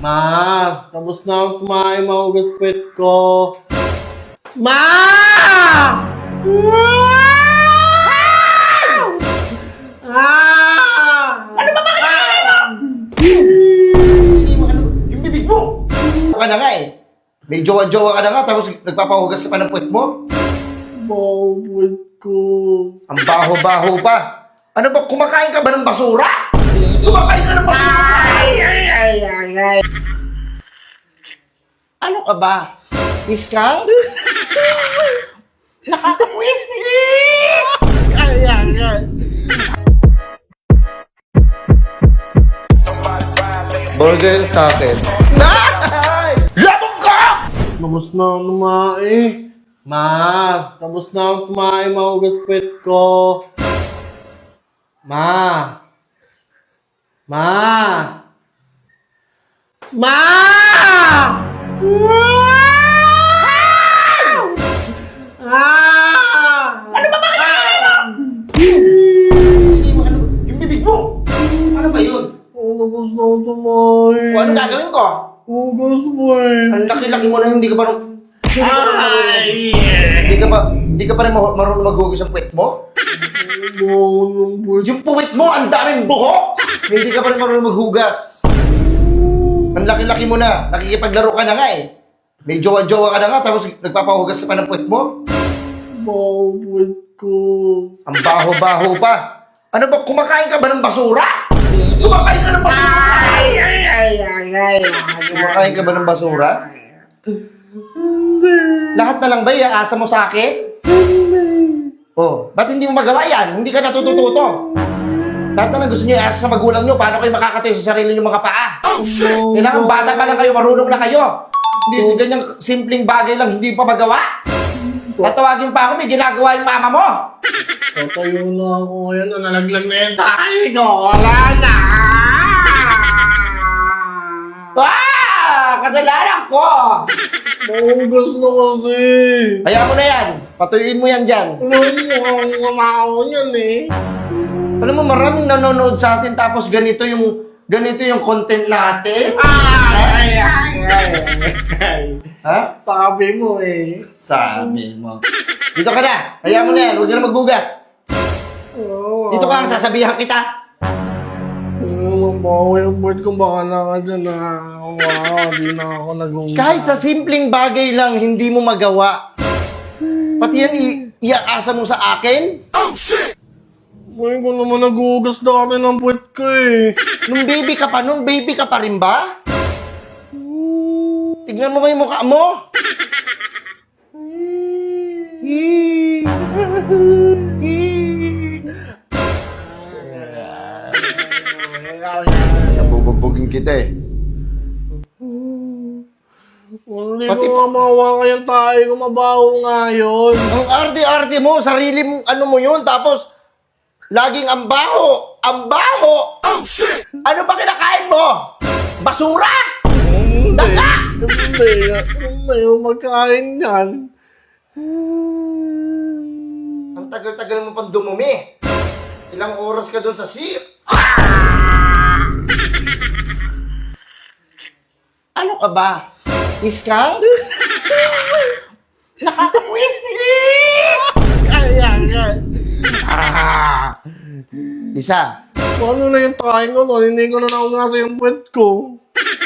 Ma, tapos na akong kumain, mahugas puwet ko. Ma! Ano ba yung bibig mo? Ano ka na nga eh. May jowa-jowa ka na nga tapos nagpapahugas ka pa ng puwet mo? Baho puwet ko. Ang baho-baho pa. Ano ba, kumakain ka ba ng basura? Kumakain ka ng basura? Ay. Ano ka ba? Iskang? Nakakapwisit! Ay. Burger sa akin. Nay! Labog ka! Tapos na akong kumain. Ma, tapos na akong kumain, mahugas puwet ko. Ma! Ano ba yung bibig mo? Ano ba yun? Tapos na akong kumain. O, ano gagawin ko? Hugas mo eh. Ang laki-laki mo na hindi ka marunong... Hindi ka pa rin marunong maghugas ng puwet mo? Baho ng puwet. Yung puwet mo, ang daming buhok! Hindi ka pa rin marunong maghugas. Ang laki-laki mo na. Nakikipaglaro ka na nga eh. May jowa-jowa ka na nga tapos nagpapahugas ka pa ng puwet mo? Baho puwet ko. Ang baho-baho pa. Ano ba, kumakain ka ba ng basura? Kumakain ka ng basura? Kumakain ka ba ng basura? Lahat na lang ba iaasa mo sa akin? Oh, ba't hindi mo magawa yan? Hindi ka natututo. Lahat na lang gusto niyo iasa sa magulang niyo. Paano kayo makakatayo sa sarili niyo mga paa? Kailangan bata pa lang kayo, marunong na kayo. Hindi sa ganyang simpleng bagay lang, hindi pa magawa. Tatawagin pa ako, may ginagawa yung mama mo. Tatayo na ako ngayon na nalaglag na yung tayo ko. Wala na! Kasalanan ko! Mahugas na kasi. Kaya mo na yan. Patuyuin mo yan dyan. Alam mo, ang kamakaw niyan eh. Alam mo, maraming nanonood sa atin tapos ganito yung content natin. Ha? Sabi mo eh. Sabi mo. Dito ka na. Kaya mo na yan. Huwag ka na magbugas. Dito ka, sasabihan kita. Mabaho yung puwet ko, baka na ka dyan na. Wow, di na ako nag-hugas. Kahit sa simpleng bagay lang, hindi mo magawa. Pati yan, iakasa mo sa akin? Ngayon ko naman nag-hugas dati ng puwet ko eh. Nung baby ka pa rin ba? Tignan mo yung mukha mo. Nabubugbugin kita eh. Hindi ko nga mahawa kayang tayo kung mabaho nga yun. Ang arte-arte mo, sarili mong ano mo yun, tapos laging ang baho. Ang baho! Oh, shit! Ano ba kinakain mo? Basura! Daga! Hindi yung magkain yan. Ang tagal-tagal mo pang dumumi. Ilang oras ka doon sa sea. Ano ka ba? Iskang? Nakakapwisit! Isa. Paano na yung tayo ko no? Hindi ko na naugasa yung puwet ko.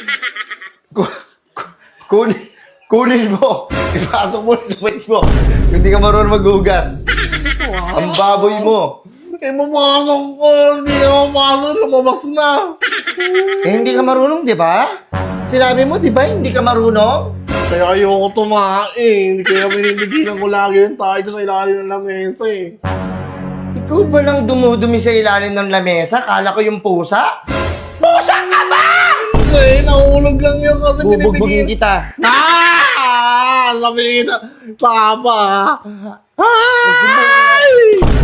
Kunin mo. Ipasok mo sa puwet mo. Hindi ka marunong maghugas. Ang baboy mo. Eh, pumasok ko. Hindi ako pasok. Lumabas na. Eh, hindi ka marunong, di ba? Sinabi mo, di ba, hindi ka marunong? Kaya ayoko tumain. Hindi kaya binibigilan ko lagi yung tayo ko sa ilalim ng lamesa eh. Ikaw ba lang dumudumi sa ilalim ng lamesa? Kala ko yung pusa? Pusa ka ba? Hindi, nahulog lang yun kasi Bubugbugin binibigilan. kita. Sabi kita. Papa. Ay!